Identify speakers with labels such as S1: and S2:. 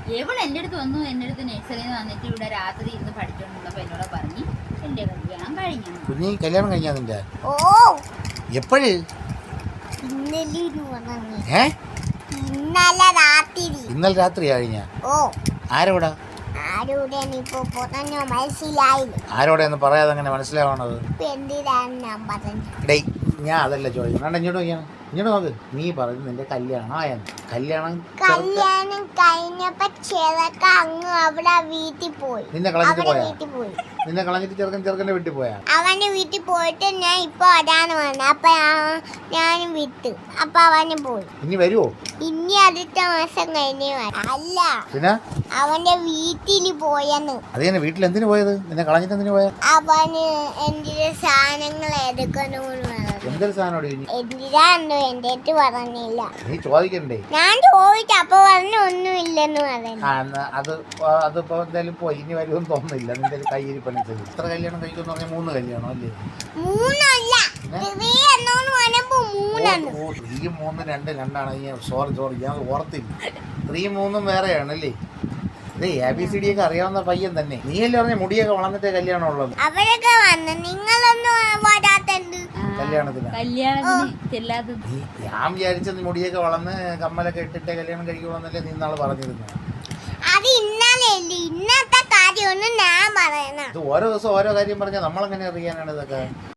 S1: എവിടെ എൻ്റെ അടുത്ത് വന്നു, എൻ്റെ അടുത്ത് നഴ്സറിയിൽ നിന്ന് വന്നിട്ട് ഇവിടെ രാത്രി ഇരുന്ന് പഠിച്ചോണ്ടുള്ളപ്പോൾ എന്നോട് പറഞ്ഞ് എൻ്റെ കല്യാണം കഴിഞ്ഞു.
S2: കുഞ്ഞി കല്യാണം കഴിഞ്ഞാ നിന്റെ?
S3: ഓ
S2: എപ്പോഴ്?
S3: ഇന്നലെ രാത്രി.
S2: ഇന്നലെ രാത്രി കഴിഞ്ഞ?
S3: ഓ
S2: ആരോടാ?
S3: ആരോടെ ഇപ്പൊ പറഞ്ഞു മനസ്സിലായില്ല.
S2: ആരോടെന്ന് പറയാതെ അങ്ങനെ മനസ്സിലാവണത്?
S3: എന്തിനാണ് ഞാൻ പറഞ്ഞു?
S2: ഡേയ് ഞാൻ അതല്ല ചോദിക്കണം. ഇങ്ങോട്ട് നോക്കിയാണ്, ഇങ്ങോട്ട് നോക്ക്. നീ പറഞ്ഞു നിന്റെ കല്യാണം ആയെന്ന്. കല്യാണം
S3: കഴിഞ്ഞപ്പോ ചെറുക്ക അങ്ങ് അവിടെ വീട്ടിൽ പോയി.
S2: നിന്നെ കളഞ്ഞിട്ട് പോയാ?
S3: വീട്ടിൽ പോയി.
S2: നിന്നെ കളഞ്ഞിട്ട് ചെറുക്കൻ്റെ വീട്ടിൽ പോയാ?
S3: അവന്റെ വീട്ടിൽ പോയിട്ട് ഞാൻ ഇപ്പൊ വരാന്ന് പറഞ്ഞു. അപ്പൊ ഞാനും വിട്ടു. അപ്പൊ അവന് പോയി.
S2: ഇനി വരുവോ?
S3: ഇനി അടുത്ത മാസം കഴിഞ്ഞേ വരാം. അല്ല
S2: പിന്നെ
S3: അവന്റെ വീട്ടിൽ പോയെന്ന്.
S2: അത് തന്നെ. വീട്ടിൽ എന്തിനു പോയത്? നിന്നെ കളഞ്ഞിട്ട് എന്തിനു പോയാ?
S3: അവന് എന്തിന്റെ സാധനങ്ങൾ എടുക്കണമെന്ന് പറഞ്ഞു.
S2: എന്തൊരു സാധനം?
S3: എന്തിനാണ്ടോ എന്റെ അടുത്ത് പറഞ്ഞില്ല.
S2: നീ ചോദിക്കണ്ടേ?
S3: ഞാൻ ചോദിച്ചു. അപ്പൊ പറഞ്ഞു ഒന്നുമില്ലെന്ന് പറഞ്ഞു.
S2: അതിപ്പോ എന്തായാലും പോയി. ഇനി വരുമെന്ന് തോന്നുന്നില്ല. നിന്റെ കയ്യിരിപ്പനുസരിച്ച് ഇത്ര കല്യാണം കഴിക്കുമെന്ന് പറഞ്ഞാൽ 3 കല്യാണം അല്ലേ?
S3: 3 അല്ല, 3 എന്നോന്ന് പറഞ്ഞപ്പോ 3 ആണ്.
S2: 3 3 2 2ആണ്. സോറി ഞാൻ ഓർത്തില്ല. 3 3 വേറെയാണല്ലേ? ഇത് ABCD ഒക്കെ അറിയാവുന്ന പയ്യൻ തന്നെ. നീയല്ലേ പറഞ്ഞ മുടിയൊക്കെ വളർന്നിട്ടേ കല്യാണം ഉള്ളത്?
S3: അവരൊക്കെ വന്ന് നിങ്ങളൊന്നും വരാത്തണ്ട്
S2: കല്യാണത്തിന്
S1: ചെല്ലാത്തത്.
S2: ഞാൻ വിചാരിച്ചത് മുടിയൊക്കെ വളർന്ന് കമ്മലൊക്കെ ഇട്ടിട്ടേ കല്യാണം കഴിക്കുള്ളൂന്നല്ലേ നീ നാളെ പറഞ്ഞിരുന്നു.
S3: അത് ഇന്നലെ അല്ലേ, ഇന്നത്തെ കാര്യമൊന്നും ഞാൻ പറയണം.
S2: ഇത് ഓരോ ദിവസം ഓരോ കാര്യം പറഞ്ഞാൽ നമ്മളെങ്ങനെ അറിയാനാണ് ഇതൊക്കെ?